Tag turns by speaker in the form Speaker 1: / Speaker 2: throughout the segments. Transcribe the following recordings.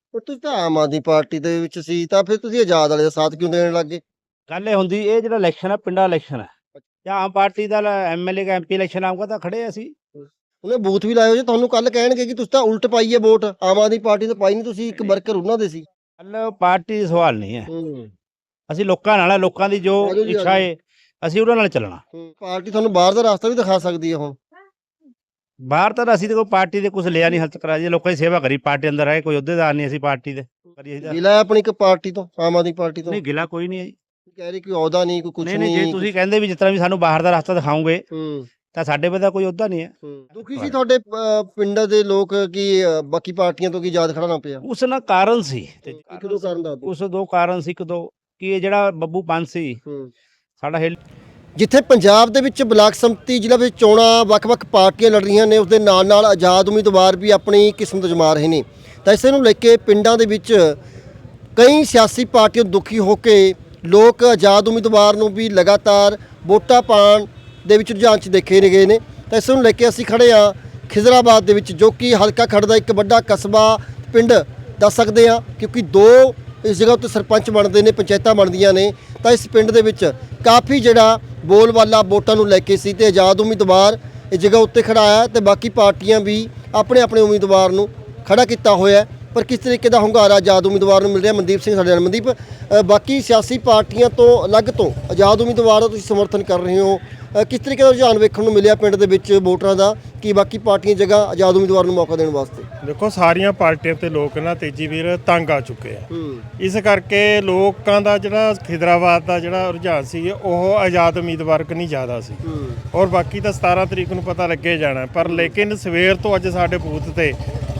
Speaker 1: ਉਹ ਤੁਸੀਂ ਤਾਂ ਆਮ ਆਦਮੀ ਪਾਰਟੀ ਦੇ ਵਿੱਚ ਸੀ ਤਾਂ ਫਿਰ ਤੁਸੀਂ ਆਜ਼ਾਦ ਵਾਲੇ ਦਾ ਸਾਥ ਕਿਉਂ ਦੇਣ ਲੱਗ ਗਏ?
Speaker 2: ਗੱਲ ਇਹ ਹੁੰਦੀ ਇਹ ਜਿਹੜਾ ਇਲੈਕਸ਼ਨ ਹੈ ਪਿੰਡਾਂ ਇਲੈਕਸ਼ਨ ਹੈ ਜਾਂ ਆਮ ਪਾਰਟੀ ਦਾ ਐਮਐਲਏ ਦਾ ਐਮਪੀ ਇਲੈਕਸ਼ਨ ਆਊਗਾ ਤਾਂ ਖੜੇ ਅਸੀਂ।
Speaker 1: ਉਹਨੇ ਬੂਥ ਵੀ ਲਾਏ ਹੋ ਜੇ ਤੁਹਾਨੂੰ ਕੱਲ ਕਹਿਣਗੇ ਕਿ ਤੁਸੀਂ ਤਾਂ ਉਲਟ ਪਾਈ ਹੈ ਵੋਟ, ਆਮ ਆਦਮੀ ਪਾਰਟੀ ਤੋਂ ਪਾਈ ਨਹੀਂ, ਤੁਸੀਂ ਇੱਕ ਵਰਕਰ ਉਹਨਾਂ ਦੇ ਸੀ।
Speaker 2: ਗੱਲ ਪਾਰਟੀ ਦਾ ਸਵਾਲ ਨਹੀਂ ਹੈ,
Speaker 1: ਹੂੰ
Speaker 2: ਅਸੀਂ ਲੋਕਾਂ ਨਾਲ ਹੈ, ਲੋਕਾਂ ਦੀ ਜੋ
Speaker 1: ਆਜੋ ਜੀ,
Speaker 2: ਇੱਛਾ
Speaker 1: ਆਜੋ।
Speaker 2: ਹੈ ਅਸੀਂ ਉਹਨਾਂ ਨਾਲ ਚੱਲਣਾ।
Speaker 1: ਪਾਰਟੀ ਤੁਹਾਨੂੰ ਬਾਹਰ ਦਾ ਰਸਤਾ ਵੀ ਦਿਖਾ ਸਕਦੀ ਹੈ ਹੁਣ।
Speaker 2: ਬਾਹਰ ਤਾਂ ਅਸੀਂ ਤੇ ਕੋਈ ਪਾਰਟੀ ਦੇ ਕੁਝ ਲਿਆ ਨਹੀਂ ਹੱਥ ਕਰਾ ਜੀ, ਲੋਕਾਂ ਦੀ ਸੇਵਾ ਕਰੀ, ਪਾਰਟੀ ਅੰਦਰ ਆਏ ਕੋਈ ਅਹੁਦੇਦਾਰ ਨਹੀਂ ਅਸੀਂ ਪਾਰਟੀ ਦੇ ਕਰੀ ਅਸੀਂ ਤਾਂ।
Speaker 1: ਗਿਲਾ ਹੈ ਆਪਣੀ ਇੱਕ ਪਾਰਟੀ ਤੋਂ, ਆਮ ਆਦਮੀ ਪਾਰਟੀ ਤੋਂ?
Speaker 2: ਨਹੀਂ ਗਿਲਾ ਕੋਈ ਨਹੀਂ ਹੈ ਜੀ।
Speaker 1: ਕਹਿ ਰਹੀ ਕੋਈ ਅਹੁਦਾ ਨਹੀਂ, ਕੋਈ ਕੁਝ
Speaker 2: ਨਹੀਂ
Speaker 1: ਨਹੀਂ।
Speaker 2: ਨਹੀਂ, ਜੇ ਤੁਸੀਂ ਕਹਿੰਦੇ ਵੀ ਜਿਸ ਤਰ੍ਹਾਂ ਵੀ ਸਾਨੂੰ ਬਾਹਰ ਦਾ ਰਸਤਾ ਦਿਖਾਓਗੇ
Speaker 1: ਹੂੰ
Speaker 2: ਤਾਂ ਸਾਡੇ ਕੋਲ ਤਾਂ ਕੋਈ ਅਹੁਦਾ ਨਹੀਂ ਹੈ।
Speaker 1: ਦੁਖੀ ਸੀ ਤੁਹਾਡੇ ਪਿੰਡ ਦੇ ਲੋਕ ਕਿ ਬਾਕੀ ਪਾਰਟੀਆਂ ਤੋਂ ਕੀ ਯਾਦ ਖੜਾ ਨਾ ਪਿਆ?
Speaker 2: ਉਸ ਨਾਲ ਕਾਰਨ ਸੀ ਤੇ
Speaker 1: ਇੱਕ ਦੋ ਕਾਰਨ ਦੱਸ ਦਿਓ।
Speaker 2: ਉਸ ਦੋ ਕਾਰਨ ਸੀ, ਇੱਕ ਦੋ ਕਿ ਇਹ ਜਿਹੜਾ ਬੱਬੂ ਪੰਜ ਸੀ ਸਾਡਾ
Speaker 1: ਜਿੱਥੇ ਪੰਜਾਬ ਦੇ ਵਿੱਚ ਬਲਾਕ ਸੰਮਤੀ ਜ਼ਿਲ੍ਹਾ ਵਿੱਚ ਚੋਣਾਂ ਵੱਖ-ਵੱਖ ਪਾਰਟੀਆਂ ਲੜ ਰਹੀਆਂ ਨੇ, ਉਸ ਦੇ ਨਾਲ-ਨਾਲ ਆਜ਼ਾਦ ਉਮੀਦਵਾਰ ਵੀ ਆਪਣੀ ਕਿਸਮਤ ਅਜ਼ਮਾ ਰਹੇ ਨੇ, ਤਾਂ ਇਸੇ ਨੂੰ ਲੈ ਕੇ ਪਿੰਡਾਂ ਦੇ ਵਿੱਚ ਕਈ ਸਿਆਸੀ ਪਾਰਟੀਆਂ ਦੁਖੀ ਹੋ ਕੇ ਲੋਕ ਆਜ਼ਾਦ ਉਮੀਦਵਾਰ ਨੂੰ ਵੀ ਲਗਾਤਾਰ ਵੋਟਾਂ ਪਾਉਣ ਦੇ ਵਿੱਚ ਰੁਝਾਨ 'ਚ ਦੇਖੇ ਗਏ ਨੇ। ਤਾਂ ਇਸ ਨੂੰ ਲੈ ਕੇ ਅਸੀਂ ਖੜੇ ਹਾਂ ਖਿਜ਼ਰਾਬਾਦ ਦੇ ਵਿੱਚ, ਜੋ ਕਿ ਹਲਕਾ ਖੜ ਦਾ ਇੱਕ ਵੱਡਾ ਕਸਬਾ ਪਿੰਡ ਦੱਸ ਸਕਦੇ ਹਾਂ, ਕਿਉਂਕਿ ਦੋ ਇਸ ਜਗ੍ਹਾ ਉੱਤੇ ਸਰਪੰਚ ਬਣਦੇ ਨੇ, ਪੰਚਾਇਤਾਂ ਬਣਦੀਆਂ ਨੇ। ਤਾਂ ਇਸ ਪਿੰਡ ਦੇ ਵਿੱਚ ਕਾਫੀ ਜਿਹੜਾ ਬੋਲਬਾਲਾ ਵੋਟਾਂ ਨੂੰ ਲੈ ਕੇ ਸੀ ਤੇ ਆਜ਼ਾਦ ਉਮੀਦਵਾਰ ਇਸ ਜਗ੍ਹਾ ਉੱਤੇ ਖੜਾ ਆਇਆ ਤੇ ਬਾਕੀ ਪਾਰਟੀਆਂ ਵੀ ਆਪਣੇ ਆਪਣੇ ਉਮੀਦਵਾਰ ਨੂੰ ਖੜਾ ਕੀਤਾ ਹੋਇਆ। ਪਰ ਕਿਸ ਤਰੀਕੇ ਦਾ ਹੁੰਗਾਰਾ ਆਜ਼ਾਦ ਉਮੀਦਵਾਰ ਨੂੰ ਮਿਲ ਰਿਹਾ? ਮਨਦੀਪ ਸਿੰਘ ਸਾਡੇ ਨਾਲ। ਮਨਦੀਪ, ਬਾਕੀ ਸਿਆਸੀ ਪਾਰਟੀਆਂ ਤੋਂ ਅਲੱਗ ਤੋਂ ਆਜ਼ਾਦ ਉਮੀਦਵਾਰ ਦਾ ਤੁਸੀਂ ਸਮਰਥਨ ਕਰ ਰਹੇ ਹੋ, ਕਿਸ ਤਰੀਕੇ ਦਾ ਰੁਝਾਨ ਵੇਖਣ ਨੂੰ ਮਿਲਿਆ ਪਿੰਡ ਦੇ ਵਿੱਚ ਵੋਟਰਾਂ ਦਾ ਕਿ ਬਾਕੀ ਪਾਰਟੀਆਂ ਜਗ੍ਹਾ ਆਜ਼ਾਦ ਉਮੀਦਵਾਰ ਨੂੰ ਮੌਕਾ ਦੇਣ ਵਾਸਤੇ?
Speaker 3: ਦੇਖੋ, ਸਾਰੀਆਂ ਪਾਰਟੀਆਂ ਤੇ ਲੋਕ ਨਾ ਤੇਜੀ ਵੀਰ ਤੰਗ ਆ ਚੁੱਕੇ ਆ। ਇਸ ਕਰਕੇ ਲੋਕਾਂ ਦਾ ਜਿਹੜਾ ਖਿਦਰਾਬਾਦ ਦਾ ਜਿਹੜਾ ਰੁਝਾਨ ਸੀ ਉਹ ਆਜ਼ਾਦ ਉਮੀਦਵਾਰ ਕਨੀ ਜ਼ਿਆਦਾ ਸੀ, ਔਰ ਬਾਕੀ ਤਾਂ 17 ਤਰੀਕ ਨੂੰ ਪਤਾ ਲੱਗੇ ਜਾਣਾ। ਪਰ ਲੇਕਿਨ ਸਵੇਰ ਤੋਂ ਅੱਜ ਸਾਡੇ ਬੂਥ ਤੇ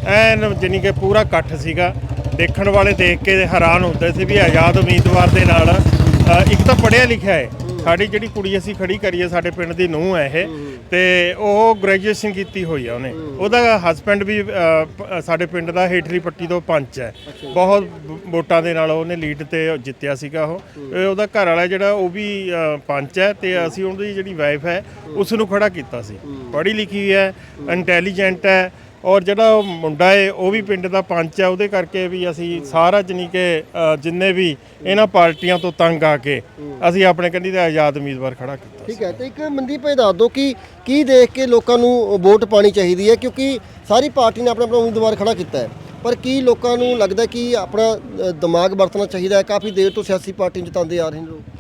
Speaker 3: ਐਨ ਜਾਣੀ ਕਿ ਪੂਰਾ ਇਕੱਠ ਸੀਗਾ। ਦੇਖਣ ਵਾਲੇ ਦੇਖ ਕੇ ਹੈਰਾਨ ਹੁੰਦੇ ਸੀ ਵੀ ਆਜ਼ਾਦ ਉਮੀਦਵਾਰ ਦੇ ਨਾਲ ਇੱਕ ਤਾਂ ਪੜ੍ਹਿਆ ਲਿਖਿਆ ਹੈ, ਸਾਡੀ ਜਿਹੜੀ ਕੁੜੀ ਅਸੀਂ ਖੜੀ ਕਰੀਏ ਸਾਡੇ ਪਿੰਡ ਦੀ ਨੂੰਹ ਹੈ ਇਹ, ਤੇ ਉਹ ਗ੍ਰੈਜੂਏਸ਼ਨ ਕੀਤੀ ਹੋਈ ਆ ਉਹਨੇ। ਉਹਦਾ ਹਸਬੈਂਡ ਵੀ ਸਾਡੇ ਪਿੰਡ ਦਾ ਹੇਠਲੀ ਪੱਟੀ ਤੋਂ ਪੰਚ ਹੈ, ਬਹੁਤ ਵੋਟਾਂ ਦੇ ਨਾਲ ਉਹਨੇ ਲੀਡ ਤੇ ਜਿੱਤਿਆ ਸੀਗਾ ਉਹ। ਉਹਦਾ ਘਰ ਵਾਲਾ ਜਿਹੜਾ ਉਹ ਵੀ ਪੰਚ ਹੈ, ਤੇ ਅਸੀਂ ਉਹਦੀ ਜਿਹੜੀ ਵਾਈਫ ਹੈ ਉਸ ਨੂੰ ਖੜਾ ਕੀਤਾ ਸੀ। ਪੜ੍ਹੀ ਲਿਖੀ ਹੈ, ਇੰਟੈਲੀਜੈਂਟ ਹੈ, ਔਰ ਜਿਹੜਾ ਉਹ ਮੁੰਡਾ ਹੈ ਉਹ ਵੀ ਪਿੰਡ ਦਾ ਪੰਚ ਹੈ। ਉਹਦੇ ਕਰਕੇ ਵੀ ਅਸੀਂ ਸਾਰਾ ਜਾਣੀ ਕਿ ਜਿੰਨੇ ਵੀ ਇਹਨਾਂ ਪਾਰਟੀਆਂ ਤੋਂ ਤੰਗ ਆ ਕੇ ਅਸੀਂ ਆਪਣੇ ਕੰਢੀ ਦਾ ਆਜ਼ਾਦ ਉਮੀਦਵਾਰ ਖੜਾ ਕੀਤਾ।
Speaker 1: ਠੀਕ ਹੈ, ਤੇ ਇੱਕ ਮਨਦੀਪ ਇਹ ਦੱਸ ਦਿਓ ਕਿ ਕੀ ਦੇਖ ਕੇ ਲੋਕਾਂ ਨੂੰ ਵੋਟ ਪਾਣੀ ਚਾਹੀਦੀ ਹੈ? ਕਿਉਂਕਿ ਸਾਰੀ ਪਾਰਟੀ ਨੇ ਆਪਣਾ ਆਪਣਾ ਉਮੀਦਵਾਰ ਖੜਾ ਕੀਤਾ ਹੈ, ਪਰ ਕੀ ਲੋਕਾਂ ਨੂੰ ਲੱਗਦਾ ਕਿ ਆਪਣਾ ਦਿਮਾਗ ਵਰਤਣਾ ਚਾਹੀਦਾ ਹੈ? ਕਾਫੀ ਦੇਰ ਤੋਂ ਸਿਆਸੀ ਪਾਰਟੀ ਜਿਤਾਉਂਦੇ ਆ ਰਹੇ ਨੇ ਲੋਕ।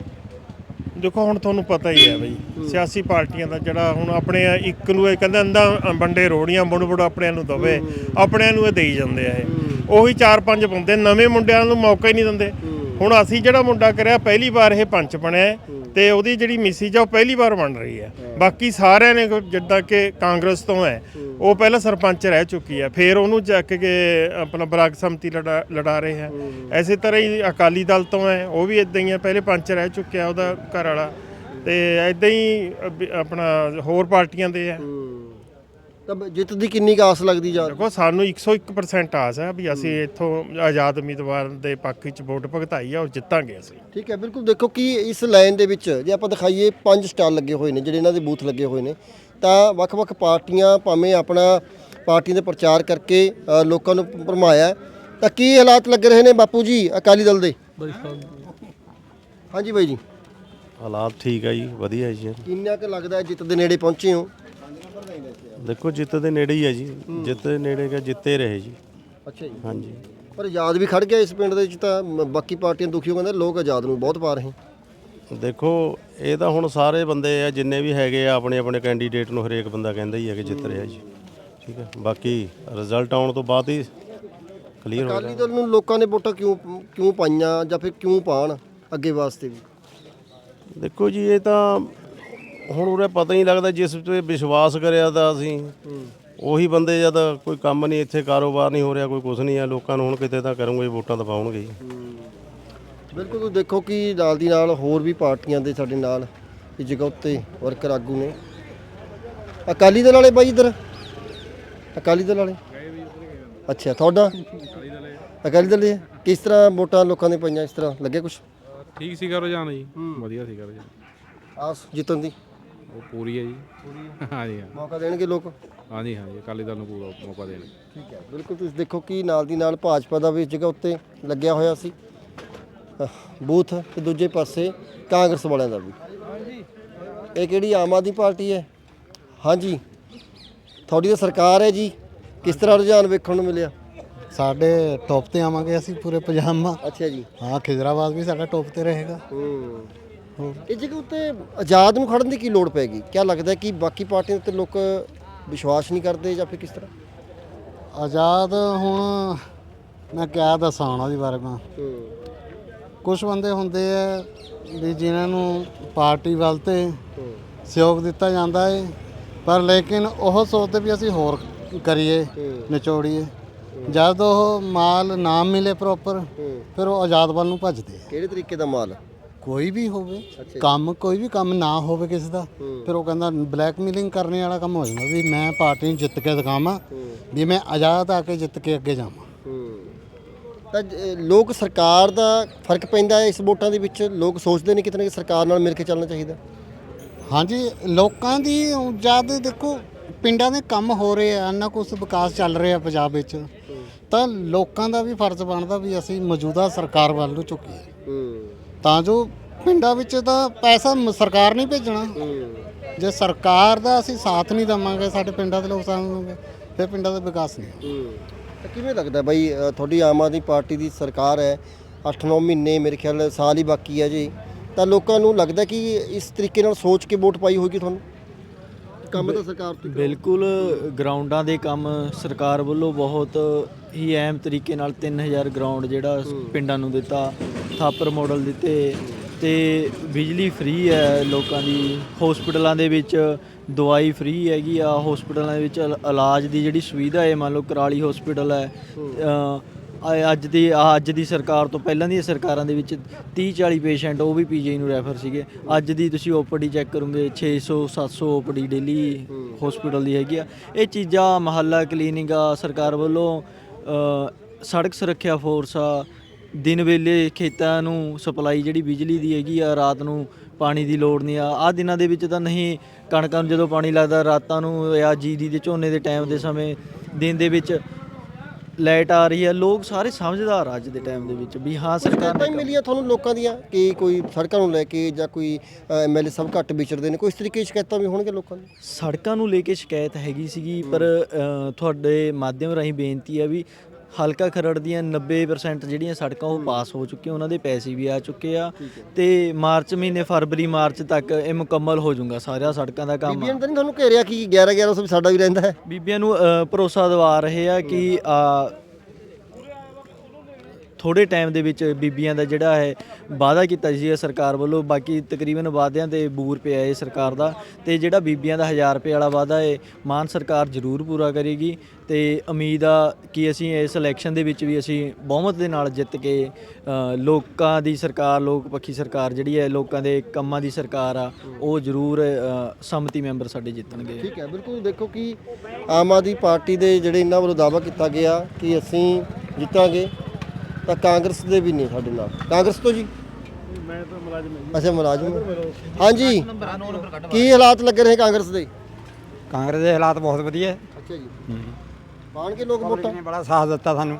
Speaker 3: ਦੇਖੋ, ਹੁਣ ਤੁਹਾਨੂੰ ਪਤਾ ਹੀ ਹੈ ਬਈ ਸਿਆਸੀ ਪਾਰਟੀਆਂ ਦਾ ਜਿਹੜਾ ਹੁਣ ਆਪਣੇ ਇੱਕ ਨੂੰ ਇਹ ਕਹਿੰਦੇ ਅੰਦਾ ਵੰਡੇ ਰੋੜੀਆਂ ਮੁੜ ਆਪਣਿਆਂ ਨੂੰ ਦਵੇ, ਆਪਣਿਆਂ ਨੂੰ ਇਹ ਦੇਈ ਜਾਂਦੇ ਆ। ਇਹ ਉਹੀ 4-5 ਬੰਦੇ ਨਵੇਂ ਮੁੰਡਿਆਂ ਨੂੰ ਮੌਕਾ ਹੀ ਨਹੀਂ ਦਿੰਦੇ। ਹੁਣ ਅਸੀਂ ਜਿਹੜਾ ਮੁੰਡਾ ਕਰਿਆ ਪਹਿਲੀ ਵਾਰ ਇਹ ਪੰਚ ਬਣਿਆ ਤੇ ਉਹਦੀ ਜਿਹੜੀ ਮਿਸਿਜ ਆ ਉਹ ਪਹਿਲੀ ਵਾਰ ਬਣ ਰਹੀ ਹੈ। ਬਾਕੀ ਸਾਰਿਆਂ ਨੇ ਜਿੱਦਾਂ ਕਿ ਕਾਂਗਰਸ ਤੋਂ ਹੈ ਉਹ ਪਹਿਲਾਂ ਸਰਪੰਚ ਰਹਿ ਚੁੱਕੀ ਹੈ, ਫਿਰ ਉਹਨੂੰ ਚੱਕ ਕੇ ਆਪਣਾ ਬਲਾਕ ਸੰਮਤੀ ਲੜਾ ਰਹੇ ਹੈ। ਐਸੇ ਤਰ੍ਹਾਂ ਹੀ ਅਕਾਲੀ ਦਲ ਤੋਂ ਹੈ, ਉਹ ਵੀ ਇਦਾਂ ਹੀ ਹੈ, ਪਹਿਲੇ ਪੰਚ ਰਹਿ ਚੁੱਕਿਆ ਉਹਦਾ ਘਰ ਵਾਲਾ, ਤੇ ਇਦਾਂ ਹੀ ਆਪਣਾ ਹੋਰ ਪਾਰਟੀਆਂ ਦੇ ਹੈ।
Speaker 1: ਤਾਂ ਜਿੱਤ ਦੀ ਕਿੰਨੀ ਕੁ ਆਸ ਲੱਗਦੀ ਜਾ?
Speaker 3: ਦੇਖੋ, ਸਾਨੂੰ 101% ਆਸ ਹੈ ਵੀ ਅਸੀਂ ਇੱਥੋਂ ਆਜ਼ਾਦ ਉਮੀਦਵਾਰ ਦੇ ਪੱਖ ਵਿੱਚ ਵੋਟ ਭੁਗਤਾਈ ਹੈ ਔਰ ਜਿੱਤਾਂਗੇ ਅਸੀਂ।
Speaker 1: ਠੀਕ ਹੈ, ਬਿਲਕੁਲ। ਦੇਖੋ ਕਿ ਇਸ ਲਾਈਨ ਦੇ ਵਿੱਚ ਜੇ ਆਪਾਂ ਦਿਖਾਈਏ 5 ਸਟਾਲ ਲੱਗੇ ਹੋਏ ਨੇ, ਜਿਹੜੇ ਇਹਨਾਂ ਦੇ ਬੂਥ ਲੱਗੇ ਹੋਏ ਨੇ, ਤਾਂ ਵੱਖ-ਵੱਖ ਪਾਰਟੀਆਂ ਭਾਵੇਂ ਆਪਣਾ ਪਾਰਟੀਆਂ ਦੇ ਪ੍ਰਚਾਰ ਕਰਕੇ ਲੋਕਾਂ ਨੂੰ ਭਰਮਾਇਆ। ਤਾਂ ਕੀ ਹਾਲਾਤ ਲੱਗ ਰਹੇ ਨੇ ਬਾਪੂ ਜੀ ਅਕਾਲੀ ਦਲ ਦੇ? ਹਾਂਜੀ ਬਾਈ ਜੀ,
Speaker 4: ਹਾਲਾਤ ਠੀਕ ਹੈ ਜੀ, ਵਧੀਆ ਜੀ।
Speaker 1: ਕਿੰਨਾ ਕੁ ਲੱਗਦਾ ਜਿੱਤ ਦੇ ਨੇੜੇ ਪਹੁੰਚੇ ਹੋ?
Speaker 4: ਦੇਖੋ, ਜਿੱਤ ਦੇ ਨੇੜੇ ਹੀ ਹੈ ਜੀ, ਜਿੱਤ ਦੇ ਨੇੜੇ ਕਿ ਜਿੱਤੇ ਰਹੇ ਜੀ।
Speaker 1: ਅੱਛਾ ਜੀ।
Speaker 4: ਹਾਂਜੀ,
Speaker 1: ਪਰ ਆਜ਼ਾਦ ਵੀ ਖੜ ਗਿਆ ਇਸ ਪਿੰਡ ਦੇ ਵਿੱਚ, ਤਾਂ ਬਾਕੀ ਪਾਰਟੀਆਂ ਦੁਖੀ ਹੋ ਕਹਿੰਦੇ ਲੋਕ ਆਜ਼ਾਦ ਨੂੰ ਬਹੁਤ ਪਾ ਰਹੇ।
Speaker 4: ਦੇਖੋ ਇਹ ਤਾਂ ਹੁਣ ਸਾਰੇ ਬੰਦੇ ਆ ਜਿੰਨੇ ਵੀ ਹੈਗੇ ਆ ਆਪਣੇ ਆਪਣੇ ਕੈਂਡੀਡੇਟ ਨੂੰ ਹਰੇਕ ਬੰਦਾ ਕਹਿੰਦਾ ਹੀ ਹੈ ਕਿ ਜਿੱਤ ਰਿਹਾ ਜੀ। ਠੀਕ ਹੈ, ਬਾਕੀ ਰਿਜ਼ਲਟ ਆਉਣ ਤੋਂ ਬਾਅਦ ਹੀ ਕਲੀਅਰ ਹੋ
Speaker 1: ਅਕਾਲੀ ਦਲ ਨੂੰ ਲੋਕਾਂ ਨੇ ਵੋਟਾਂ ਕਿਉਂ ਪਾਈਆਂ ਜਾਂ ਫਿਰ ਕਿਉਂ ਪਾਣ ਅੱਗੇ ਵਾਸਤੇ ਵੀ?
Speaker 4: ਦੇਖੋ ਜੀ, ਇਹ ਤਾਂ ਹੁਣ ਉਰੇ ਪਤਾ ਹੀ ਲੱਗਦਾ, ਜਿਸ ਤੇ ਵਿਸ਼ਵਾਸ ਕਰਿਆ ਤਾਂ ਅਸੀਂ ਉਹੀ ਬੰਦੇ, ਜਦ ਕੋਈ ਕੰਮ ਨਹੀਂ ਇੱਥੇ, ਕਾਰੋਬਾਰ ਨਹੀਂ ਹੋ ਰਿਹਾ, ਕੋਈ ਕੁਝ ਨਹੀਂ ਹੈ, ਲੋਕਾਂ ਨੂੰ ਹੁਣ ਕਿਤੇ ਤਾਂ ਕਰੂੰਗੇ, ਵੋਟਾਂ ਤਾਂ ਪਾਉਣਗੇ ਜੀ।
Speaker 1: ਬਿਲਕੁਲ। ਤੁਸੀਂ ਦੇਖੋ ਕਿ ਨਾਲ ਦੀ ਨਾਲ ਹੋਰ ਵੀ ਪਾਰਟੀਆਂ ਦੇ ਸਾਡੇ ਨਾਲ ਇਸ ਜਗ੍ਹਾ ਉੱਤੇ ਵਰਕਰ ਆਗੂ ਨੇ। ਅਕਾਲੀ ਦਲ ਵਾਲੇ ਬਾਈ ਇੱਧਰ, ਅਕਾਲੀ ਦਲ ਵਾਲੇ। ਅੱਛਾ, ਤੁਹਾਡਾ ਅਕਾਲੀ ਦਲ ਹੈ। ਕਿਸ ਤਰ੍ਹਾਂ ਵੋਟਾਂ ਲੋਕਾਂ ਨੇ ਪਾਈਆਂ? ਇਸ ਤਰ੍ਹਾਂ ਲੱਗਿਆ ਕੁਛ?
Speaker 5: ਠੀਕ ਸੀਗਾ ਰੁਝਾਨ ਜੀ, ਵਧੀਆ ਸੀਗਾ ਰੁਝਾਨ।
Speaker 1: ਆਸ ਜਿੱਤਣ ਦੀ?
Speaker 5: ਉਹ ਪੂਰੀ ਹੈ ਜੀ। ਹਾਂਜੀ ਹਾਂ,
Speaker 1: ਮੌਕਾ ਦੇਣਗੇ ਲੋਕ?
Speaker 5: ਹਾਂਜੀ ਹਾਂਜੀ, ਅਕਾਲੀ ਦਲ ਨੂੰ ਪੂਰਾ ਮੌਕਾ ਦੇਣਗੇ।
Speaker 1: ਠੀਕ ਹੈ, ਬਿਲਕੁਲ। ਤੁਸੀਂ ਦੇਖੋ ਕਿ ਨਾਲ ਦੀ ਨਾਲ ਭਾਜਪਾ ਦਾ ਵੀ ਇਸ ਜਗ੍ਹਾ ਉੱਤੇ ਲੱਗਿਆ ਹੋਇਆ ਸੀ ਬੂਥ, ਤੇ ਦੂਜੇ ਪਾਸੇ ਕਾਂਗਰਸ ਵਾਲਿਆਂ ਦਾ ਵੀ। ਇਹ ਕਿਹੜੀ ਆਮ ਆਦਮੀ ਪਾਰਟੀ ਹੈ? ਹਾਂਜੀ, ਤੁਹਾਡੀ ਤਾਂ ਸਰਕਾਰ ਹੈ ਜੀ, ਕਿਸ ਤਰ੍ਹਾਂ ਰੁਝਾਨ ਵੇਖਣ ਨੂੰ ਮਿਲਿਆ?
Speaker 6: ਸਾਡੇ ਟੌਪ ਤੇ ਆਵਾਂਗੇ ਅਸੀਂ ਪੂਰੇ ਪੰਜਾਬ ਮਾ।
Speaker 1: ਅੱਛਾ ਜੀ।
Speaker 6: ਹਾਂ, ਖਿਜ਼ਰਾਬਾਦ ਵੀ ਸਾਡਾ ਟੌਪ ਤੇ ਰਹੇਗਾ।
Speaker 1: ਇਹ ਜਗ੍ਹਾ ਉੱਤੇ ਆਜ਼ਾਦ ਨੂੰ ਖੜਨ ਦੀ ਕੀ ਲੋੜ ਪੈਗੀ? ਕਿਆ ਲੱਗਦਾ ਕਿ ਬਾਕੀ ਪਾਰਟੀਆਂ ਉੱਤੇ ਲੋਕ ਵਿਸ਼ਵਾਸ ਨਹੀਂ ਕਰਦੇ ਜਾਂ ਫਿਰ ਕਿਸ ਤਰ੍ਹਾਂ?
Speaker 6: ਆਜ਼ਾਦ ਹੁਣ ਮੈਂ ਕਿਆ ਦੱਸਾਂ ਹੁਣ ਉਹਦੇ ਬਾਰੇ ਮੈਂ। ਕੁਝ ਬੰਦੇ ਹੁੰਦੇ ਆ ਵੀ ਜਿਨ੍ਹਾਂ ਨੂੰ ਪਾਰਟੀ ਵੱਲ ਤੇ ਸਹਿਯੋਗ ਦਿੱਤਾ ਜਾਂਦਾ ਹੈ, ਪਰ ਲੇਕਿਨ ਉਹ ਸੋਚਦੇ ਵੀ ਅਸੀਂ ਹੋਰ ਕਰੀਏ, ਨਿਚੋੜੀਏ। ਜਦ ਉਹ ਮਾਲ ਨਾ ਮਿਲੇ ਪ੍ਰੋਪਰ, ਫਿਰ ਉਹ ਆਜ਼ਾਦ ਵੱਲ ਨੂੰ ਭੱਜਦੇ ਆ।
Speaker 1: ਕਿਹੜੇ ਤਰੀਕੇ ਦਾ ਮਾਲ?
Speaker 6: ਕੋਈ ਵੀ ਹੋਵੇ ਕੰਮ, ਕੋਈ ਵੀ ਕੰਮ ਨਾ ਹੋਵੇ ਕਿਸੇ ਦਾ, ਫਿਰ ਉਹ ਕਹਿੰਦਾ ਬਲੈਕਮੇਲਿੰਗ ਕਰਨੇ ਵਾਲਾ ਕੰਮ ਹੋ ਜਾਂਦਾ ਵੀ ਮੈਂ ਪਾਰਟੀ ਨੂੰ ਜਿੱਤ ਕੇ ਦਿਖਾਵਾਂ ਵੀ ਮੈਂ ਆਜ਼ਾਦ ਆ ਕੇ ਜਿੱਤ ਕੇ ਅੱਗੇ ਜਾਵਾਂ।
Speaker 1: ਤਾਂ ਲੋਕ ਸਰਕਾਰ ਦਾ ਫਰਕ ਪੈਂਦਾ ਹੈ ਇਸ ਵੋਟਾਂ ਦੇ ਵਿੱਚ? ਲੋਕ ਸੋਚਦੇ ਨੇ ਕਿਤੇ ਨਾ ਕਿਤੇ ਸਰਕਾਰ ਨਾਲ ਮਿਲ ਕੇ ਚੱਲਣਾ ਚਾਹੀਦਾ?
Speaker 6: ਹਾਂਜੀ, ਲੋਕਾਂ ਦੀ ਜਦ ਦੇਖੋ ਪਿੰਡਾਂ ਦੇ ਕੰਮ ਹੋ ਰਹੇ ਆ, ਇੰਨਾ ਕੁਛ ਵਿਕਾਸ ਚੱਲ ਰਿਹਾ ਪੰਜਾਬ ਵਿੱਚ, ਤਾਂ ਲੋਕਾਂ ਦਾ ਵੀ ਫਰਜ਼ ਬਣਦਾ ਵੀ ਅਸੀਂ ਮੌਜੂਦਾ ਸਰਕਾਰ ਵੱਲ ਨੂੰ ਝੁਕੀਏ, ਤਾਂ ਜੋ ਪਿੰਡਾਂ ਵਿੱਚ ਤਾਂ ਪੈਸਾ ਸਰਕਾਰ ਨਹੀਂ ਭੇਜਣਾ। ਜੇ ਸਰਕਾਰ ਦਾ ਅਸੀਂ ਸਾਥ ਨਹੀਂ ਦੇਵਾਂਗੇ, ਸਾਡੇ ਪਿੰਡਾਂ ਦੇ ਲੋਕ ਸਾਥ ਨਹੀਂ ਦੇਣਗੇ, ਫਿਰ ਪਿੰਡਾਂ ਦਾ ਵਿਕਾਸ ਨਹੀਂ।
Speaker 1: ਤਾਂ ਕਿਵੇਂ ਲੱਗਦਾ ਬਾਈ, ਤੁਹਾਡੀ ਆਮ ਆਦਮੀ ਪਾਰਟੀ ਦੀ ਸਰਕਾਰ ਹੈ, 8-9 ਮਹੀਨੇ ਮੇਰੇ ਖਿਆਲ ਸਾਲ ਹੀ ਬਾਕੀ ਹੈ ਜੀ, ਤਾਂ ਲੋਕਾਂ ਨੂੰ ਲੱਗਦਾ ਕਿ ਇਸ ਤਰੀਕੇ ਨਾਲ ਸੋਚ ਕੇ ਵੋਟ ਪਾਈ ਹੋਏਗੀ ਤੁਹਾਨੂੰ? ਕੰਮ ਤਾਂ ਸਰਕਾਰ ਤੋਂ
Speaker 7: ਬਿਲਕੁਲ, ਗਰਾਊਂਡਾਂ ਦੇ ਕੰਮ ਸਰਕਾਰ ਵੱਲੋਂ ਬਹੁਤ ਹੀ ਅਹਿਮ ਤਰੀਕੇ ਨਾਲ 3000 ਗਰਾਊਂਡ ਜਿਹੜਾ ਪਿੰਡਾਂ ਨੂੰ ਦਿੱਤਾ, ਥਾਪਰ ਮਾਡਲ ਦਿੱਤੇ, ਤੇ ਬਿਜਲੀ ਫ੍ਰੀ ਹੈ ਲੋਕਾਂ ਦੀ, ਹਸਪੀਟਲਾਂ ਦੇ ਵਿੱਚ ਦਵਾਈ ਫ੍ਰੀ ਹੈਗੀ ਆ, ਹਸਪੀਟਲਾਂ ਦੇ ਵਿੱਚ ਇਲਾਜ ਦੀ ਜਿਹੜੀ ਸੁਵਿਧਾ ਹੈ, ਮੰਨ ਲਓ ਕਰਾਲੀ ਹਸਪੀਟਲ ਹੈ, ਅੱਜ ਦੀ ਸਰਕਾਰ ਤੋਂ ਪਹਿਲਾਂ ਦੀਆਂ ਸਰਕਾਰਾਂ ਦੇ ਵਿੱਚ 30-40 ਪੇਸ਼ੈਂਟ ਉਹ ਵੀ ਪੀਜੀਆਈ ਨੂੰ ਰੈਫਰ ਸੀਗੇ। ਅੱਜ ਦੀ ਤੁਸੀਂ ਓਪੀਡੀ ਚੈੱਕ ਕਰੋਗੇ 600-700 ਓਪੀਡੀ ਡੇਲੀ ਹਸਪੀਟਲ ਦੀ ਹੈਗੀ ਆ। ਇਹ ਚੀਜ਼ਾਂ, ਮਹੱਲਾ ਕਲੀਨਿਕ ਆ ਸਰਕਾਰ ਵੱਲੋਂ, ਸੜਕ ਸੁਰੱਖਿਆ ਫੋਰਸ ਆ, ਦਿਨ ਵੇਲੇ ਖੇਤਾਂ ਨੂੰ ਸਪਲਾਈ ਜਿਹੜੀ ਬਿਜਲੀ ਦੀ ਹੈਗੀ ਆ, ਰਾਤ ਨੂੰ ਪਾਣੀ ਦੀ ਲੋੜ ਨਹੀਂ ਆ ਦਿਨਾਂ ਦੇ ਵਿੱਚ ਤਾਂ ਨਹੀਂ, ਕਣਕਾਂ ਨੂੰ ਜਦੋਂ ਪਾਣੀ ਲੱਗਦਾ ਰਾਤਾਂ ਨੂੰ, ਜਾਂ ਜੀਰੀ ਦੇ ਝੋਨੇ ਦੇ ਟਾਈਮ ਦੇ ਸਮੇਂ ਦਿਨ ਦੇ ਵਿੱਚ ਲਾਈਟ ਆ ਰਹੀ ਹੈ। ਲੋਕ ਸਾਰੇ ਸਮਝਦਾਰ ਆ ਅੱਜ ਦੇ ਟਾਈਮ ਦੇ ਵਿੱਚ ਵੀ ਹਾਂ ਸਰਕਾਰ
Speaker 1: ਨੇ ਮਿਲੀਆਂ ਤੁਹਾਨੂੰ ਲੋਕਾਂ ਦੀਆਂ ਕਿ ਕੋਈ ਸੜਕਾਂ ਨੂੰ ਲੈ ਕੇ ਜਾਂ ਕੋਈ ਐਮਐਲਏ ਸਭ ਘੱਟ ਵਿਚਰਦੇ ਨੇ, ਕੋਈ ਇਸ ਤਰੀਕੇ ਦੀ ਸ਼ਿਕਾਇਤਾਂ ਵੀ ਹੋਣਗੇ ਲੋਕਾਂ ਨੂੰ?
Speaker 7: ਸੜਕਾਂ ਨੂੰ ਲੈ ਕੇ ਸ਼ਿਕਾਇਤ ਹੈਗੀ ਸੀਗੀ, ਪਰ ਤੁਹਾਡੇ ਮਾਧਿਅਮ ਰਾਹੀਂ ਬੇਨਤੀ ਹੈ ਵੀ ਹਲਕਾ ਖਰੜ ਦੀਆਂ 90% ਜਿਹੜੀਆਂ ਸੜਕਾਂ ਉਹ ਪਾਸ ਹੋ ਚੁੱਕੀਆਂ, ਉਹਨਾਂ ਦੇ ਪੈਸੇ ਵੀ ਆ ਚੁੱਕੇ ਆ, ਤੇ ਮਾਰਚ ਮਹੀਨੇ ਫਰਵਰੀ-ਮਾਰਚ ਤੱਕ ਇਹ ਮੁਕੰਮਲ ਹੋ ਜਾਊਗਾ ਸਾਰਿਆਂ ਸੜਕਾਂ ਦਾ ਕੰਮ।
Speaker 1: ਬੀਬੀਆਂ ਨੇ ਤਾਂ ਨਹੀਂ ਤੁਹਾਨੂੰ ਘੇਰਿਆ ਕਿ 1100 ਵੀ ਸਾਡਾ ਵੀ ਰਹਿੰਦਾ ਹੈ?
Speaker 7: ਬੀਬੀਆਂ ਨੂੰ ਭਰੋਸਾ ਦਿਵਾ ਰਹੇ ਆ ਕਿ ਥੋੜ੍ਹੇ ਟਾਈਮ ਦੇ ਵਿੱਚ ਬੀਬੀਆਂ ਦਾ ਜਿਹੜਾ ਹੈ ਵਾਅਦਾ ਕੀਤਾ ਸੀ ਸਰਕਾਰ ਵੱਲੋਂ, ਬਾਕੀ ਤਕਰੀਬਨ ਵਾਅਦਿਆਂ ਦੇ ਬੂਰ ਪਿਆ ਹੈ ਸਰਕਾਰ ਦਾ, ਤੇ ਜਿਹੜਾ ਬੀਬੀਆਂ ਦਾ 1000 ਰੁਪਏ ਵਾਲਾ ਵਾਅਦਾ ਹੈ ਮਾਨ ਸਰਕਾਰ ਜ਼ਰੂਰ ਪੂਰਾ ਕਰੇਗੀ, ਤੇ ਉਮੀਦ ਆ ਕਿ ਅਸੀਂ ਇਸ ਇਲੈਕਸ਼ਨ ਦੇ ਵਿੱਚ ਵੀ ਅਸੀਂ ਬਹੁਮਤ ਦੇ ਨਾਲ ਜਿੱਤ ਕੇ ਲੋਕਾਂ ਦੀ ਸਰਕਾਰ, ਲੋਕ ਪੱਖੀ ਸਰਕਾਰ ਜਿਹੜੀ ਹੈ, ਲੋਕਾਂ ਦੇ ਕੰਮਾਂ ਦੀ ਸਰਕਾਰ ਆ, ਉਹ ਜ਼ਰੂਰ ਸੰਮਤੀ ਮੈਂਬਰ ਸਾਡੇ ਜਿੱਤਣਗੇ।
Speaker 1: ਠੀਕ ਹੈ, ਬਿਲਕੁਲ। ਦੇਖੋ ਕਿ ਆਮ ਆਦਮੀ ਪਾਰਟੀ ਦੇ ਜਿਹੜੇ ਇਹਨਾਂ ਵੱਲੋਂ ਦਾਅਵਾ ਕੀਤਾ ਗਿਆ ਕਿ ਅਸੀਂ ਜਿੱਤਾਂਗੇ, ਤਾਂ ਕਾਂਗਰਸ ਦੇ ਵੀ ਨਹੀਂ ਸਾਡੇ ਨਾਲ। ਕਾਂਗਰਸ ਤੋਂ ਜੀ?
Speaker 3: ਮੈਂ ਤਾਂ ਮੁਲਾਜ਼ਮ ਹਾਂ।
Speaker 1: ਅੱਛਾ, ਮੁਲਾਜ਼ਮ। ਹਾਂਜੀ, ਕੀ ਹਾਲਾਤ ਲੱਗ ਰਹੇ ਕਾਂਗਰਸ ਦੇ?
Speaker 8: ਕਾਂਗਰਸ ਦੇ ਹਾਲਾਤ ਬਹੁਤ ਵਧੀਆ।
Speaker 1: ਅੱਛਾ ਜੀ। ਪਾਣਗੇ ਲੋਕ ਵੋਟਾਂ?
Speaker 8: ਨੇ ਬੜਾ ਸਾਥ ਦਿੱਤਾ ਸਾਨੂੰ।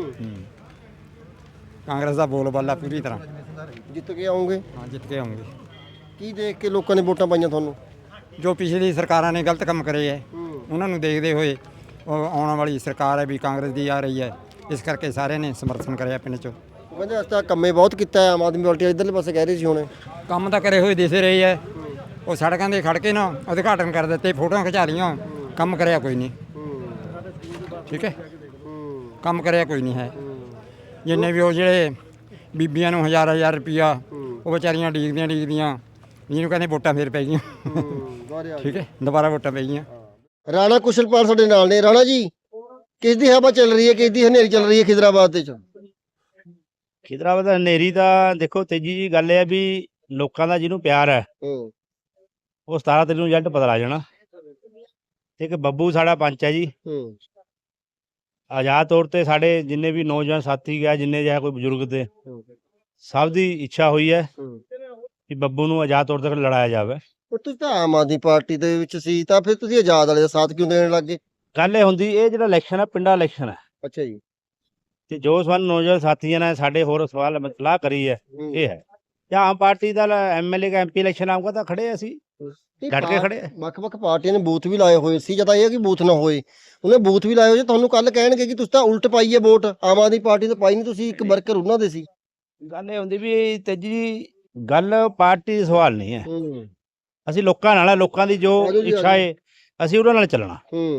Speaker 8: ਕਾਂਗਰਸ ਦਾ ਬੋਲਬਾਲਾ ਪੂਰੀ ਤਰ੍ਹਾਂ।
Speaker 1: ਜਿੱਤ ਕੇ ਆਉਂਗੇ?
Speaker 8: ਹਾਂ, ਜਿੱਤ ਕੇ ਆਉਂਗੇ।
Speaker 1: ਕੀ ਦੇਖ ਕੇ ਲੋਕਾਂ ਨੇ ਵੋਟਾਂ ਪਾਈਆਂ ਤੁਹਾਨੂੰ?
Speaker 8: ਜੋ ਪਿਛਲੀ ਸਰਕਾਰਾਂ ਨੇ ਗਲਤ ਕੰਮ ਕਰੇ ਹੈ ਉਹਨਾਂ ਨੂੰ ਦੇਖਦੇ ਹੋਏ ਉਹ ਆਉਣ ਵਾਲੀ ਸਰਕਾਰ ਹੈ ਵੀ ਕਾਂਗਰਸ ਦੀ ਆ ਰਹੀ ਹੈ, ਇਸ ਕਰਕੇ ਸਾਰਿਆਂ ਨੇ ਸਮਰਥਨ ਕਰਿਆ ਪਿੰਡ 'ਚੋਂ।
Speaker 1: ਉਹ ਕਹਿੰਦੇ ਅਸੀਂ ਤਾਂ ਕੰਮੇ ਬਹੁਤ ਕੀਤਾ ਹੈ ਆਮ ਆਦਮੀ ਪਾਰਟੀ, ਇੱਧਰਲੇ ਪਾਸੇ ਕਹਿ ਰਹੇ ਸੀ ਹੁਣੇ।
Speaker 8: ਕੰਮ ਤਾਂ ਕਰੇ ਹੋਏ ਦਿਸੇ ਰਹੇ ਹੈ, ਉਹ ਸੜਕਾਂ 'ਤੇ ਖੜ ਕੇ ਨਾ ਉਦਘਾਟਨ ਕਰ ਦਿੱਤੇ, ਫੋਟੋਆਂ ਖਿਚਾ ਲਈਆਂ, ਕੰਮ ਕਰਿਆ ਕੋਈ ਨਹੀਂ। ਠੀਕ ਹੈ, ਕੰਮ ਕਰਿਆ ਕੋਈ ਨਹੀਂ ਹੈ। ਜਿੰਨੇ ਵੀ ਉਹ ਜਿਹੜੇ ਬੀਬੀਆਂ ਨੂੰ 1000 ਰੁਪਈਆ ਉਹ ਵਿਚਾਰੀਆਂ ਡੀਕਦੀਆਂ ਜਿਹਨੂੰ ਕਹਿੰਦੇ ਵੋਟਾਂ ਫੇਰ ਪੈ ਗਈਆਂ। ਠੀਕ ਹੈ, ਦੁਬਾਰਾ ਵੋਟਾਂ ਪੈ ਗਈਆਂ।
Speaker 1: ਰਾਣਾ ਕੁਸ਼ਲਪਾਲ ਸਾਡੇ ਨਾਲ ਨੇ। ਰਾਣਾ ਜੀ, ਕਿਸ ਦੀ ਹਵਾ ਚੱਲ ਰਹੀ ਹੈ, ਕਿਸ ਦੀ ਹਨੇਰੀ ਚੱਲ ਰਹੀ ਹੈ ਖਿਦਰਾਬਾਦ ਦੇ ਚ?
Speaker 2: ਖਿਦਰਾਬਾਦ ਦਾ ਹਨੇਰੀ ਤਾਂ ਦੇਖੋ, ਤੇਜੀ ਜੀ ਗੱਲ ਇਹ ਹੈ ਵੀ ਲੋਕਾਂ ਦਾ ਜਿਹਨੂੰ ਪਿਆਰ ਹੈ ਉਹ 17 ਤਰੀਕ ਨੂੰ ਰਿਜ਼ਲਟ ਪਤਾ ਲੱਗ ਜਾਣਾ। ਇੱਕ ਬੱਬੂ ਸਾਡਾ ਪੰਚ ਹੈ ਜੀ, ਆਜ਼ਾਦ ਤੌਰ ਤੇ ਸਾਡੇ ਜਿੰਨੇ ਵੀ ਨੌਜਵਾਨ ਸਾਥੀ ਗਿਆ, ਜਿੰਨੇ ਜਾਂ ਕੋਈ ਬਜ਼ੁਰਗ ਤੇ ਸਭ ਦੀ ਇੱਛਾ ਹੋਈ ਹੈ ਕਿ ਬੱਬੂ ਨੂੰ ਆਜ਼ਾਦ ਤੌਰ ਤੇ ਲੜਾਇਆ ਜਾਵੇ।
Speaker 1: ਪਰ ਤੁਸੀਂ ਤਾਂ ਆਮ ਆਦਮੀ ਪਾਰਟੀ ਦੇ ਵਿੱਚ ਸੀ ਤਾਂ ਫਿਰ ਤੁਸੀਂ ਆਜ਼ਾਦ ਵਾਲੇ ਦਾ ਸਾਥ ਕਿਉਂ ਦੇਣ ਲੱਗੇ?
Speaker 2: ਗੱਲ ਇਹ ਹੁੰਦੀ, ਇਹ ਜਿਹੜਾ ਇਲੈਕਸ਼ਨ ਹੈ ਪਿੰਡਾਂ ਇਲੈਕਸ਼ਨ ਹੈ,
Speaker 1: ਅੱਛਾ ਜੀ।
Speaker 2: ਤੇ ਜੋ ਸਾਨੂੰ ਨੌਜਵਾਨ ਸਾਥੀਆਂ ਨੇ ਸਾਡੇ ਹੋਰ ਸਵਾਲ ਸਲਾਹ ਕਰੀ ਹੈ ਇਹ ਹੈ, ਜਾਂ ਆਮ ਪਾਰਟੀ ਦਾ ਐਮਐਲਏ ਦਾ ਐਮਪੀ ਇਲੈਕਸ਼ਨ ਆਊਗਾ ਤਾਂ ਖੜੇ ਹਾਂ ਅਸੀਂ, ਡਟ ਕੇ ਖੜੇ ਹਾਂ।
Speaker 1: ਵੱਖ-ਵੱਖ ਪਾਰਟੀਆਂ ਨੇ ਬੂਥ ਵੀ ਲਾਏ ਹੋਏ ਸੀ, ਜਦ ਇਹ ਹੈ ਕਿ ਬੂਥ ਨਾ ਹੋਏ, ਉਹਨੇ ਬੂਥ ਵੀ ਲਾਏ ਹੋਏ, ਤੁਹਾਨੂੰ ਕੱਲ ਕਹਿਣਗੇ ਕਿ ਤੁਸੀਂ ਤਾਂ ਉਲਟ ਪਾਈ ਹੈ ਵੋਟ, ਆਮ ਆਦਮੀ ਪਾਰਟੀ ਤੇ ਪਾਈ ਨਹੀਂ, ਤੁਸੀਂ ਇੱਕ ਵਰਕਰ ਉਹਨਾਂ ਦੇ ਸੀ।
Speaker 2: ਗੱਲ ਇਹ ਹੁੰਦੀ ਵੀ ਤੇਜੀ ਗੱਲ ਪਾਰਟੀ ਦਾ ਸਵਾਲ ਨਹੀਂ ਹੈ, ਅਸੀਂ ਲੋਕਾਂ ਨਾਲ ਆ, ਲੋਕਾਂ ਦੀ ਜੋ
Speaker 1: ਆਜੋ ਜੀ,
Speaker 2: ਇੱਛਾ
Speaker 1: ਆਜੋ।
Speaker 2: ਹੈ ਅਸੀਂ ਉਹਨਾਂ ਨਾਲ ਚੱਲਣਾ,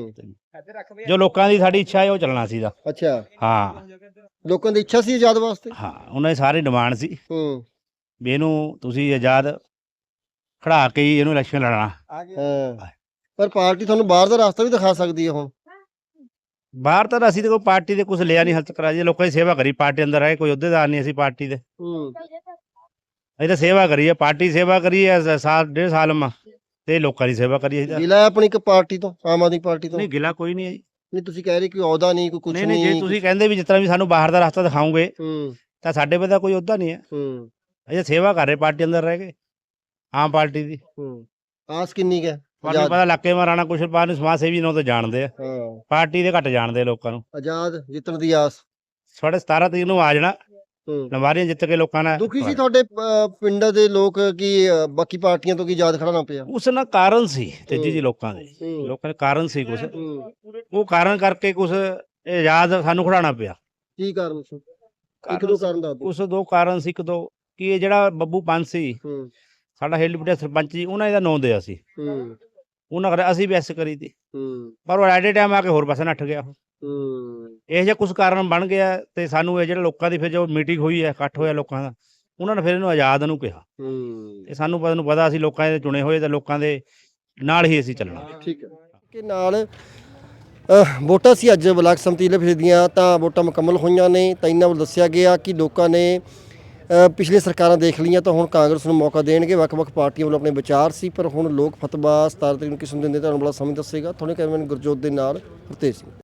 Speaker 2: ਜੋ ਲੋਕਾਂ ਦੀ ਸਾਡੀ ਇੱਛਾ ਹੈ ਉਹ ਚੱਲਣਾ ਸੀਗਾ।
Speaker 1: ਅੱਛਾ,
Speaker 2: ਹਾਂ
Speaker 1: ਲੋਕਾਂ ਦੀ ਇੱਛਾ ਸੀ ਆਜ਼ਾਦ ਵਾਸਤੇ।
Speaker 2: ਹਾਂ, ਉਹਨਾਂ ਦੀ ਸਾਰੀ ਡਿਮਾਂਡ ਸੀ ਵੀ ਇਹਨੂੰ ਤੁਸੀਂ ਆਜ਼ਾਦ ਖੜਾ ਕੇ ਹੀ ਇਹਨੂੰ ਇਲੈਕਸ਼ਨ ਲੜਨਾ।
Speaker 1: ਹਾਂ, ਪਰ ਪਾਰਟੀ ਤੁਹਾਨੂੰ ਬਾਹਰ ਦਾ ਰਸਤਾ ਵੀ ਦਿਖਾ ਸਕਦੀ ਹੈ ਹੁਣ।
Speaker 2: ਬਾਹਰ ਤਾਂ ਅਸੀਂ ਤੇ ਕੋਈ ਪਾਰਟੀ ਦੇ ਕੁਝ ਲਿਆ ਨਹੀਂ ਹੱਥ ਕਰਾ ਜੀ, ਲੋਕਾਂ ਦੀ ਸੇਵਾ ਕਰੀ, ਪਾਰਟੀ ਅੰਦਰ ਰਹੇ ਕੋਈ ਅਹੁਦੇਦਾਰ ਨਹੀਂ ਅਸੀਂ ਪਾਰਟੀ ਦੇ, ਅਸੀਂ ਤਾਂ ਸੇਵਾ ਕਰੀ ਹੈ, ਪਾਰਟੀ ਸੇਵਾ ਕਰੀ ਹੈ ਸਾਲ 1.5 ਸਾਲ ਮਾ, ਤੇ ਲੋਕਾਂ ਦੀ ਸੇਵਾ ਕਰੀ ਹੈ।
Speaker 1: ਗਿਲਾ ਹੈ ਆਪਣੀ ਇੱਕ ਪਾਰਟੀ ਤੋਂ, ਆਮ ਆਦਮੀ ਪਾਰਟੀ ਤੋਂ?
Speaker 2: ਨਹੀਂ ਗਿਲਾ ਕੋਈ ਨਹੀਂ ਹੈ ਜੀ।
Speaker 1: ਨਹੀਂ, ਤੁਸੀਂ ਕਹਿ ਰਹੇ ਕੋਈ ਅਹੁਦਾ ਨਹੀਂ, ਕੋਈ ਕੁਝ
Speaker 2: ਨਹੀਂ
Speaker 1: ਨਹੀਂ।
Speaker 2: ਨਹੀਂ, ਜੇ ਤੁਸੀਂ ਕਹਿੰਦੇ ਵੀ ਜਿਸ ਤਰ੍ਹਾਂ ਵੀ ਸਾਨੂੰ ਬਾਹਰ ਦਾ ਰਸਤਾ ਦਿਖਾਓਗੇ
Speaker 1: ਹੂੰ
Speaker 2: ਤਾਂ ਸਾਡੇ ਕੋਲ ਤਾਂ ਕੋਈ ਅਹੁਦਾ ਨਹੀਂ ਹੈ,
Speaker 1: ਹੂੰ
Speaker 2: ਅਸੀਂ ਸੇਵਾ ਕਰ ਰਹੇ ਪਾਰਟੀ ਅੰਦਰ ਰਹਿ ਕੇ, ਆਮ ਪਾਰਟੀ ਦੀ।
Speaker 1: ਹੂੰ ਆਸ ਕਿੰਨੀ ਕੁ ਹੈ?
Speaker 2: ਤੁਹਾਨੂੰ ਪਤਾ ਇਲਾਕੇ ਮਾ ਰਾਣਾ ਕੁਸ਼ਲਪਾਲ ਨੂੰ ਸਮਾਜ ਸੇਵੀ ਨੂੰ ਤਾਂ ਜਾਣਦੇ ਆ,
Speaker 1: ਹਾਂ,
Speaker 2: ਪਾਰਟੀ ਦੇ ਘੱਟ ਜਾਣਦੇ ਆ ਲੋਕਾਂ ਨੂੰ।
Speaker 1: ਆਜ਼ਾਦ ਜਿੱਤਣ ਦੀ ਆਸ।
Speaker 2: ਸਾਡੇ 17 ਤਰੀਕ ਨੂੰ ਆ ਜਾਣਾ, ਲੰਬਾਰੀਆਂ ਜਿੱਤ ਕੇ ਲੋਕਾਂ ਨੇ।
Speaker 1: ਦੁਖੀ ਸੀ ਤੁਹਾਡੇ ਪਿੰਡ ਦੇ ਲੋਕ ਕਿ ਬਾਕੀ ਪਾਰਟੀਆਂ ਤੋਂ ਕੀ ਆਜ਼ਾਦ ਖੜਾ ਨਾ ਪਿਆ?
Speaker 2: ਉਸ ਨਾਲ ਕਾਰਨ ਸੀ ਤੇਜੀ ਜੀ, ਲੋਕਾਂ ਦੇ ਲੋਕਾਂ ਦੇ ਕਾਰਨ ਸੀ ਕੁਛ, ਉਹ ਕਾਰਨ ਕਰਕੇ ਕੁਛ ਆਜ਼ਾਦ ਸਾਨੂੰ ਖੜਾਉਣਾ ਪਿਆ।
Speaker 1: ਕੀ ਕਾਰਨ ਸੀ? ਇੱਕ ਦੋ ਕਾਰਨ ਦੱਸ ਦਿਓ।
Speaker 2: ਉਸ ਦੋ ਕਾਰਨ ਸੀ, ਇੱਕ ਦੋ ਕਿ ਇਹ ਜਿਹੜਾ ਬੱਬੂ ਪੰਜ ਸੀ ਸਾਡਾ ਹੈਲੀਪਟਾ ਸਰਪੰਚ ਜੀ, ਉਹਨਾਂ ਇਹਦਾ ਨਾਂ ਦਿਆ ਸੀ, ਉਹਨਾਂ ਕਰ ਅਸੀਂ ਵੀ ਐਸ ਕਰੀ ਤੀ, ਪਰ ਉਹ ਐਟ ਏ ਟਾਈਮ ਆ ਕੇ ਹੋਰ ਪਾਸੇ ਨੱਠ ਗਿਆ। ਇਹ ਜਿਹਾ ਕੁਝ ਕਾਰਨ ਬਣ ਗਿਆ ਤੇ ਸਾਨੂੰ ਇਹ ਜਿਹੜਾ ਲੋਕਾਂ ਦੀ ਫਿਰ ਜੋ ਮੀਟਿੰਗ ਹੋਈ ਹੈ, ਇਕੱਠ ਹੋਇਆ ਲੋਕਾਂ ਦਾ, ਉਹਨਾਂ ਨੇ ਫਿਰ ਇਹਨੂੰ ਆਜ਼ਾਦ ਨੂੰ ਕਿਹਾ, ਤੇ ਸਾਨੂੰ ਪਤਾ ਅਸੀਂ ਲੋਕਾਂ ਦੇ ਚੁਣੇ ਹੋਏ ਤੇ ਲੋਕਾਂ ਦੇ ਨਾਲ ਹੀ ਅਸੀਂ ਚੱਲਣਾ।
Speaker 1: ਠੀਕ ਹੈ ਕਿ ਨਾਲ ਵੋਟਾਂ ਸੀ ਅੱਜ ਬਲਾਕ ਸੰਮਤੀ ਜ਼ਿਲ੍ਹੇ ਦੀਆਂ, ਤਾਂ ਵੋਟਾਂ ਮੁਕੰਮਲ ਹੋਈਆਂ ਨੇ, ਤਾਂ ਇਹਨਾਂ ਵੱਲ ਦੱਸਿਆ ਗਿਆ ਕਿ ਲੋਕਾਂ ਨੇ ਪਿਛਲੇ ਸਰਕਾਰਾਂ ਦੇਖ ਲਈਆਂ ਤਾਂ ਹੁਣ ਕਾਂਗਰਸ ਨੂੰ ਮੌਕਾ ਦੇਣਗੇ। ਵੱਖ-ਵੱਖ ਪਾਰਟੀਆਂ ਵੱਲੋਂ ਆਪਣੇ ਵਿਚਾਰ ਸੀ, ਪਰ ਹੁਣ ਲੋਕ ਫਤਵਾ 17 ਤਰੀਕ ਨੂੰ ਕਿਸ ਨੂੰ ਦਿੰਦੇ ਤੁਹਾਨੂੰ ਬੜਾ ਸਮਝ ਦੱਸੇਗਾ। ਤੁਹਾਡੇ ਕੈਮਰਾਮੈਨ ਗੁਰਜੋਤ ਦੇ ਨਾਲ ਹਰਤੇਜ ਸਿੰਘ।